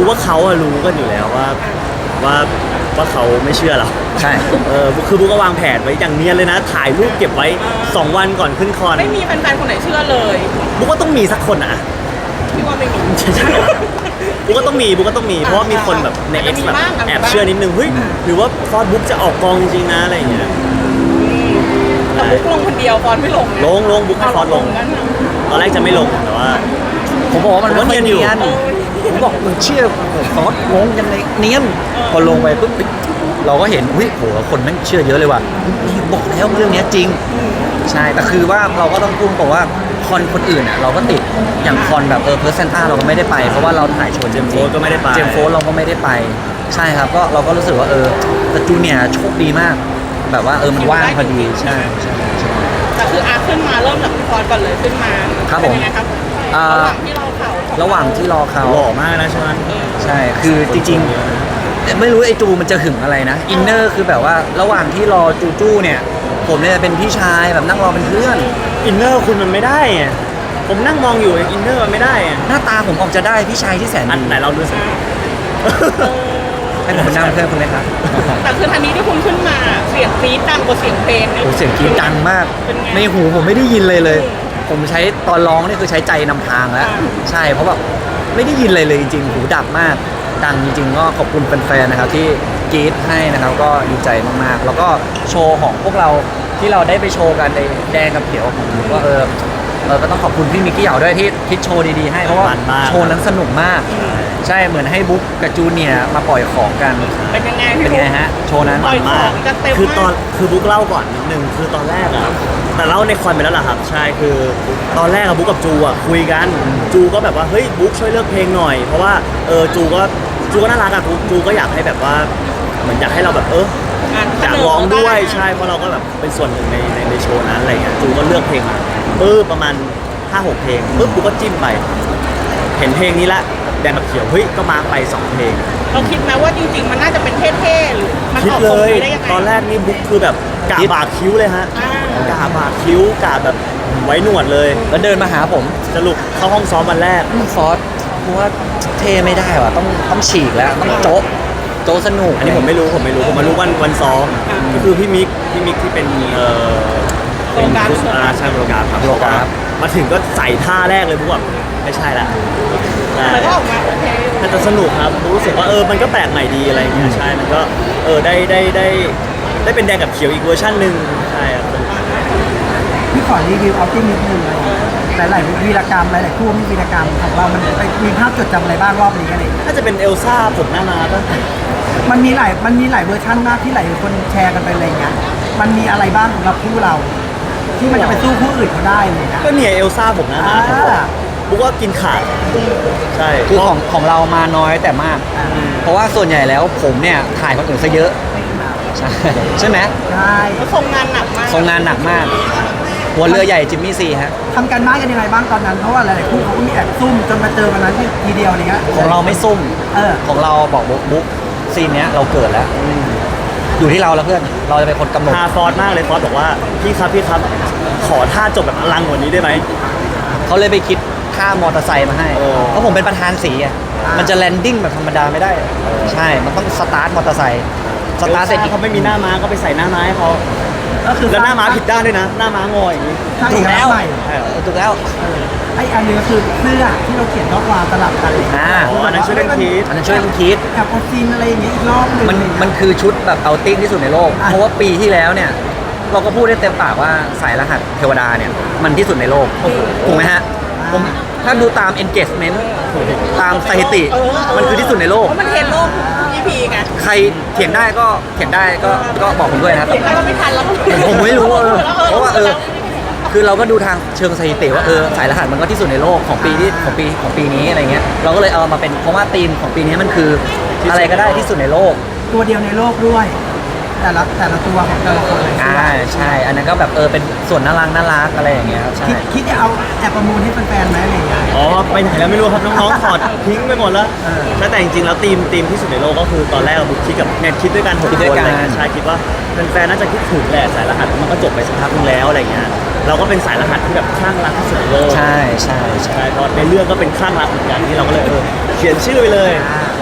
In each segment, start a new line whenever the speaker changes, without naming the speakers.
ว่าเขาอะรู้กันอยู่แล้วว่าว่าเขาไม่เชื่อเรา
ใช่
คือบุ๊กก็วางแผนไว้อย่างเนียนเลยนะถ่ายรูปเก็บไว้2 วันก่อนขึ้นคอน
ไม่มีแฟนๆคนไหนเชื่อเลย
บุ๊กก็ต้องมีสักคนอะ
พี่ว่าไม่มี
บุ๊กก็ต้องมีเพราะว่ามีคนแบบใน X แบบแอบเชื่อนิดนึงเฮ้ยหรือว่าฟอร์ดบุ๊กจะออกกองจริงๆนะอะไรอย่างเงี้ย
แต่บุ๊กลงคนเดียวฟอนไม่ลง
ลงบุ๊กให้ฟอร์ดลงตอนแรกจะไม่ลงแต่ว่า
ผมบอกว่ามันเนียนผมบอกมึงเชื่อฟอสงงกันเลยเนียนพอลงไปปุ๊บเราก็เห็นอุ้ยโหคนแม่งเชื่อเยอะเลยว่ะนี่บอกแล้วเรื่องนี้จริงใช่แต่คือว่าเราก็ต้องพูดบอกว่าคอนคนอื่นอ่ะเราก็ติดอย่างคอนแบบเพอร์เซนต้าเราก็ไม่ได้ไปเพราะว่าเราถ่ายโชว์
เจมโฟก็ไม่ได้ไป
เจมโฟเราก็ไม่ได้ไปใช่ครับก็เราก็รู้สึกว่าแต่จูเนียร์โชคดีมากแบบว่ามันว่างพอดีใช่
แต่คืออาขึ้นมาเริ่มจากฟอนก่อนเลยขึ้นมา
ครับผมระหว่างที่รอเขา
หล่อมากนะใช่ไหม
ใช่คือจริงๆไม่รู้ไอ้จูมันจะหึงอะไรนะอินเนอร์คือแบบว่าระหว่างที่รอจูเนี่ยผมเนี่ยเป็นพี่ชายแบบนั่งรอเป็นเพื่อน
อินเนอร์คุณมันไม่ได้ผมนั่งมองอยู่อินเนอร์มันไม่ได้
หน้าตาผมออกจะได้พี่ชายที่แสน
ดีไหนเราดูสิ
ให้ผมเป็นนั่งเพื่อนคุณเลยครับ
แต่คือทันนี้ที่คุณขึ้นมาเสียงกรี๊ดดังกว่าเสียงเพลง
โอ้เสียงกรี๊ดดังมากในหูผมไม่ได้ยินเลยผมใช้ตอนร้องนี่คือใช้ใจนำทางแล้วใช่เพราะแบบไม่ได้ยินเลยจริงๆหูดับมากดังจริงๆก็ขอบคุณแฟนๆนะครับที่กรี๊ดให้นะครับก็ดีใจมากๆแล้วก็โชว์ของพวกเราที่เราได้ไปโชว์กันในแดงกับเขียวผมก็ก็ต้องขอบคุณพี่มิกกี้เหยาด้วยที่คิดโชว์ดีๆให้เพราะว่าโชว์นั้นสนุกมากใช่เหมือนให้บุ๊กกับจูเนียร์มาปล่อยของกัน
เป็นยังไง
ฮะโชว์นั้น
ปล่อยของกันเต็ม
คือบุ๊กเล่าก่อนนิดนึงคือตอนแรกอะแต่เล่าในคอนไปแล้วล่ะครับใช่คือตอนแรกอะบุ๊กกับจูอะคุยกันจูก็แบบว่าเฮ้ยบุ๊กช่วยเลือกเพลงหน่อยเพราะว่าจูก็น่ารักอะจูก็อยากให้แบบว่าเหมือนอยากให้เราแบบอยากร้องด้วยใช่เพราะเราก็แบบเป็นส่วนหนึ่งในโชว์นั้นอะไรเงี้ยจูก็เลือกเพลงมาประมาณ 5-6 เพลงบุ๊กก็จิ้มไปเห็นเพลงนี้ละแดงกับเขียวเฮ้ยก็มาไป2 เพลง
เราคิดไหมว่าจริงๆมันน่าจะเป็นเท่ๆหรือมัน
คิดเลยตอนแรกนี่บุ๊กคือแบบกาบาดคิ้วเลยฮะกาบาดคิ้วกาแบบไว้หนวดเลย
แล้วเดินมาหาผม
สรุปเข้าห้องซ้อมวันแรก
ฟอสเพราะว่าเท่ไม่ได้ว่ะต้องฉีกแล้วต้องโจ๊สนุก
อันนี้ผมไม่รู้ผมมารู้วันซ้อมก็คือพี่มิกที่เป็น
โปรแกรม
ใช่โปรแกรมครับมาถึงก็ใส่ท่าแรกเลยบุ๊กแบบไม่ใช่ละ
แต่ก็ออกมาโอเค
แต่จะสนุกครับรู้สึกว่ามันก็แปลกใหม่ดีอะไรอย่างเงี้ยใช่มันก็ได้เป็นแดงกับเขียวอีกเวอร์ชันหนึ่งใช่ครับ
พี่ขอรีวิวเอาติ้งนิดนึงหลายวีรกรรมหลายคู่มีวีรกรรมของเรามันมีภาพจดจำอะไรบ้างรอบนี้อะไร
น่าจะเป็นเอลซ่าผมหน้ามาป่ะ
มันมีหลายเวอร์ชันมากที่หลายคนแชร์กันไปอะไรเงี้ยมันมีอะไรบ้างสำหรับคู่เราที่มันจะไปสู้คู่อื่นเขาได้เลยนะ
ก็เนี่ยเอลซ่าผมหน้ามาบุ๊กว่ากินขาดใช่
คือของเรามาน้อยแต่มากเพราะว่าส่วนใหญ่แล้วผมเนี่ยถ่ายคนอื่นซะเยอะใช่ไหม
ใช่
ทรงงานหนักมาก
หัวเรือใหญ่จิมมี่ซีฮะ
ทำกันบ้านกันยังไงบ้างตอนนั้นเพราะว่าหลายๆคู่เขาก็มีแอบซุ่มจนมาเจอกันนั้นทีเดียวอะไรเงี้ย
ของเราไม่ซุ่มของเราบอกบุ๊กซีนเนี้ยเราเกิดแล้วอยู่ที่เราแล้วเพื่อนเราจะเป็นคนกำหนด
ฟอร์ดมากเลยฟอร์ดบอกว่าพี่ครับขอท่าจบแบบอลังกว่านี้ได้ไหม
เขาเลยไปคิดค่ามอเตอร์ไซค์มาให้เพราะผมเป็นประธานสีอ่ะมันจะแลนดิ้งแบบธรรมดาไม่ได้ใช่มันต้องสตาร์ทมอเตอร์ไซค์
สตาร์ทเสร็จเขาไม่มีหน้าม้าก็ไปใส่หน้าม้าให้เขา
ก็คือ
แล้วหน้าม้าผิดด้านด้วยนะหน้าม้างออย่างนี้
ถูกแล้วถูกแล้ว
ไอ้อันนี้ก็คือเสื้อที่เราเขียนข้อความสลับกันเลย
อันนั้นช่วยเล่น
คิด
แอบเอาซีนอะไรอย่างเงี้ยอีกรอบนึง
มันคือชุดแบบเอาติ้งที่สุดในโลกเพราะว่าปีที่แล้วเนี่ยเราก็พูดได้เต็มปากว่าสายรหัสเทวดาเนี่ยมันที่สุดในโลกถูกไหมฮะผมถ้าดูตาม engagement ตามสถิติมันคือที่สุดในโลก
มันเห็นโลกEP ไง
ใครเถียงได้ก็บอกผมด้วยนะครับ
เราไม่ทันแล้ว
ผมไม่รู้เพราะว่าคือเราก็ดูทางเชิงสถิติว่าสายรหัสมันก็ที่สุดในโลกของปีนี้อะไรเงี้ยเราก็เลยเอามาเป็นเพราะว่าธีมของปีนี้มันคืออะไรก็ได้ที่สุดในโลก
ตัวเดียวในโลกด้วยแต่ละตัวของแต่ละคนเลย
ใช่อันนั้นก็แบบเป็นส่วนน่ารักอะไรอย่างเงี้ยครับใช่
คิดจะเอาแอบประมูลให้แฟนๆไหมอะไรอย่างเงี้ย
ไปไหนแล้วไม่รู้ครับน้องๆถอดทิ้งไปหมดแล้วแต่จริงๆแล้วทีมที่สุดในโลกก็คือตอนแรกเราคิดกับเนี่ยคิดด้วยกัน6 คนอะไรเงี้ยใช่คิดว่าแฟนๆน่าจะคิดถึงแหละสายรหัสมันก็จบไปสักพักนึงแล้วอะไรเงี้ยเราก็เป็นสายรหัสที่แบบคลั่งรักที่สุดในโลก
ใช่
เพราะในเรื่องก็เป็นคลั่งรักเหมือนกันที่เราก็เลยเขียนชื่อไปเลยใช่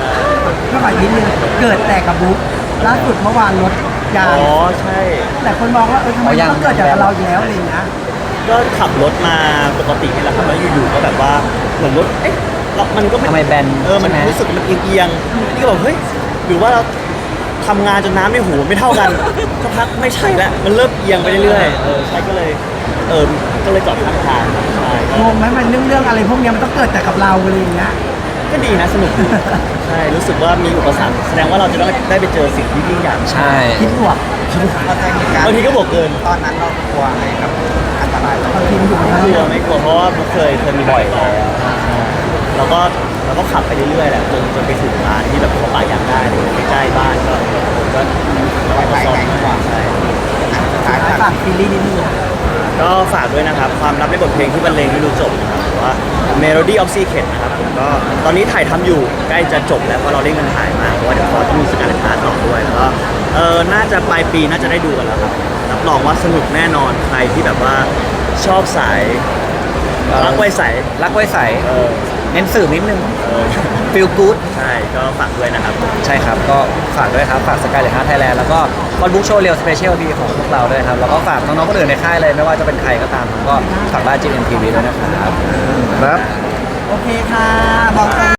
ก็ขออีกนิดนึงเกิดแต่กับบุ๊กล่าสุดเมื่อวานรถยาง
อ๋อใช่
แต่คนมองว่าทำไมมันต้องเกิดจากเราอยู่แล้วอะไรอย่างเงี้ย
ก็ขับรถมาปกตินี่แหละครับแล้วอยู่ๆก็แบบว่าเหมือนรถเอ๊ะแล้วมันก็ไม่
ทำไมแบน
มัน
ใช่ไหม
รู้สึกมันเอียงๆนี่ก็บอกเฮ้ยหรือว่าเราทำงานจนน้ำในหูไม่เท่ากันสักพักไม่ใช่ละมันเริ่มเอียงไปเรื่อยๆใช่ก็เลยก็เลยจอดข้างทางใช่
งงไหมมันเรื่องอะไรพวกเนี้ยมันต้องเกิดแต่กับเราอะไรอย่างเงี้ย
ก็ดีนะสนุกดีใช่รู้สึกว่ามีอุปสรรคแสดงว่าเราจะได้ไปเจอสิ่งที่ยิ่งใหญ่
ใช่
คิดบวก
บางทีก็บวกเกิน
ตอนนั้นเรากลัวไงครับอันตราย
บางทีมันอยู่ในนั้น
ไม่กลัวไม่กลัวเพราะว่าบุ๊คเคยมีบ่อยแล้วเราก็ขับไปเรื่อยๆแหละจนไปถึงร้านที่แบบเขาปะยางได้เลยใกล้ๆบ้านก็ไปซ้อมกว่าใช่
ท้าย
ฝากซีรีส์นิดนึง
ก็ฝากด้วยนะครับ ความลับในบทเพลงที่บรรเลงไม่รู้จบนะครับหรือว่า Melody of Secret นะครับผมก็ตอนนี้ถ่ายทำอยู่ใกล้จะจบแล้วเพราะเราเร่งกันถ่ายมากเพราะว่าเดี๋ยวพอต้องมีสการเลนทาร์ต่อด้วยแล้วก็น่าจะปลายปีน่าจะได้ดูกันแล้วครับรับรองว่าสนุกแน่นอนใครที่แบบว่าชอบสายรักไว้ใส
รักไว้ใส
เออ
เน้นสื่อนิดนึง
เออ
feel good
ใช่ก็ฝากด้วยนะครับ
ใช่ครับ ก็ฝากด้วยครับ ฝากสกายเล t ฮาร์ไทยแลนด์แล้วก็คอนบุ๊กโชว์เรียลสเปเชียลพีของพวกเราด้วยครับ แล้วก็ฝากน้องๆคนอื่นในค่ายเลย ไม่ว่าจะเป็นใครก็ตามผมก็ฝากบ้าน GMTV ด้วยนะครับ ครับ
โอเคค่ะบอก